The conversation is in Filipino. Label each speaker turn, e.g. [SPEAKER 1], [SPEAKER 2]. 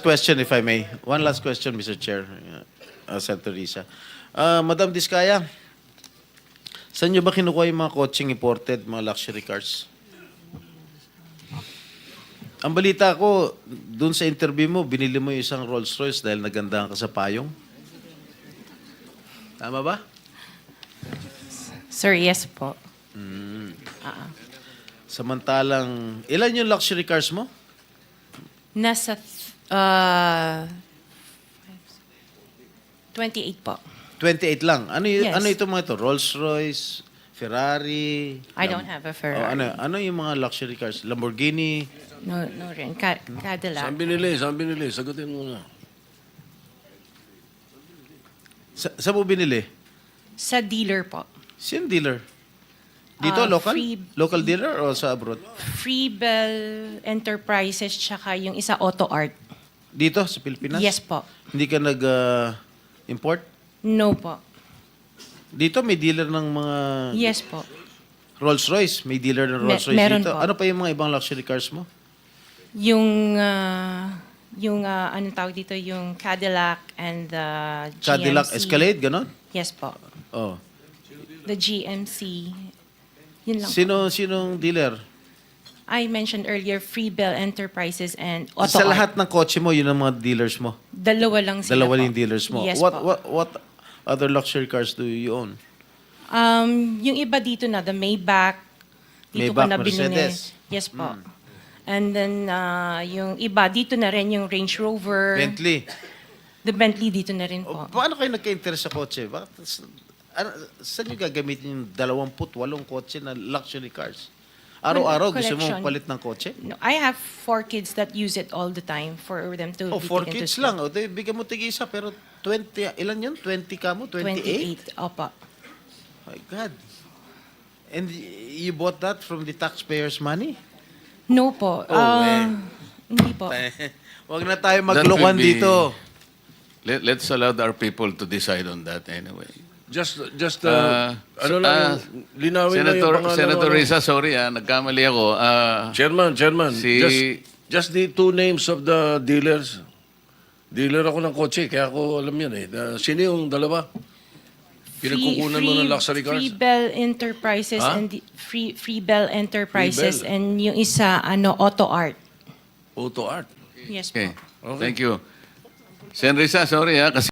[SPEAKER 1] question, if I may. One last question, Mr. Chair, Senator Risa. Madam Diskaya, saan nyo ba kinukuha yung mga coaching imported, mga luxury cars? Ang balita ko, dun sa interview mo, binili mo yung isang Rolls Royce dahil nagandahan ka sa payong. Tama ba?
[SPEAKER 2] Sir, yes po.
[SPEAKER 1] Samantalang, ilan yung luxury cars mo?
[SPEAKER 2] Nasa 28 po.
[SPEAKER 1] 28 lang. Ano,
[SPEAKER 2] Yes.
[SPEAKER 1] ano ito mga ito? Rolls Royce, Ferrari?
[SPEAKER 2] I don't have a Ferrari.
[SPEAKER 1] Ano yung mga luxury cars? Lamborghini?
[SPEAKER 2] No rin. Cadillac.
[SPEAKER 3] Saan binili? Sagutin mo na.
[SPEAKER 1] Saan mo binili?
[SPEAKER 2] Sa dealer po.
[SPEAKER 1] Sino dealer? Dito, local?
[SPEAKER 2] Free-
[SPEAKER 1] Local dealer o sa abroad?
[SPEAKER 2] Freebell Enterprises tsaka yung isa Auto Art.
[SPEAKER 1] Dito, sa Pilipinas?
[SPEAKER 2] Yes po.
[SPEAKER 1] Hindi ka nag-import?
[SPEAKER 2] No po.
[SPEAKER 1] Dito, may dealer ng mga
[SPEAKER 2] Yes po.
[SPEAKER 1] Rolls Royce. May dealer ng Rolls Royce
[SPEAKER 2] meron
[SPEAKER 1] dito.
[SPEAKER 2] po.
[SPEAKER 1] Ano pa yung mga ibang luxury cars mo?
[SPEAKER 2] Yung anong tawag dito, yung Cadillac and the GMC.
[SPEAKER 1] Cadillac Escalade, ganon?
[SPEAKER 2] Yes po.
[SPEAKER 1] Oh.
[SPEAKER 2] The GMC. Yun lang po.
[SPEAKER 1] Sinong dealer?
[SPEAKER 2] I mentioned earlier, Freebell Enterprises and Auto
[SPEAKER 1] Sa
[SPEAKER 2] Art.
[SPEAKER 1] lahat ng kotse mo, yun ang mga dealers mo.
[SPEAKER 2] Dalawa lang sila
[SPEAKER 1] Dalawa
[SPEAKER 2] po.
[SPEAKER 1] yung dealers mo.
[SPEAKER 2] Yes
[SPEAKER 1] what,
[SPEAKER 2] po.
[SPEAKER 1] what other luxury cars do you own?
[SPEAKER 2] Yung iba dito na, the Maybach. Dito
[SPEAKER 1] Maybach,
[SPEAKER 2] ko na binili.
[SPEAKER 1] Mercedes.
[SPEAKER 2] Yes po. And then, yung iba, dito na rin yung Range Rover.
[SPEAKER 1] Bentley.
[SPEAKER 2] The Bentley dito na rin
[SPEAKER 1] O,
[SPEAKER 2] po.
[SPEAKER 1] paano kayo nagka-interest sa kotse? Saan nyo gagamitin yung 28 kotse na luxury cars? Araw-araw gusto mo
[SPEAKER 2] Collection.
[SPEAKER 1] palit ng kotse?
[SPEAKER 2] No, I have 4 kids that use it all the time for them to
[SPEAKER 1] Oh,
[SPEAKER 2] be
[SPEAKER 1] 4
[SPEAKER 2] taken to
[SPEAKER 1] kids
[SPEAKER 2] school.
[SPEAKER 1] lang. O, bigyan mo tig-isa. Pero 20, ilan yun? 20 ka mo? 28?
[SPEAKER 2] 28. Opo.
[SPEAKER 1] My God. And you bought that from the taxpayers' money?
[SPEAKER 2] No po. Hindi po.
[SPEAKER 1] Huwag na tayo
[SPEAKER 4] That
[SPEAKER 1] maglokohan
[SPEAKER 4] will be-
[SPEAKER 1] dito.
[SPEAKER 4] Let's allow our people to decide on that anyway.
[SPEAKER 3] Just
[SPEAKER 4] Senator
[SPEAKER 3] linawin na yung pangalan.
[SPEAKER 4] Senator Risa, sorry nagkamali ako.
[SPEAKER 3] Chairman,
[SPEAKER 4] Si-
[SPEAKER 3] just the 2 names of the dealers. Dealer ako ng kotse, kaya ako alam yan eh. Sino yung dalawa? Pinagkukunan mo ng luxury cars?
[SPEAKER 2] Freebell Enterprises
[SPEAKER 3] Ha?
[SPEAKER 2] and Freebell Enterprises
[SPEAKER 3] Freebell.
[SPEAKER 2] and yung isa Auto Art.
[SPEAKER 3] Auto Art.
[SPEAKER 2] Yes
[SPEAKER 4] Okay.
[SPEAKER 2] po.
[SPEAKER 4] Thank you. Sen Risa, sorry kasi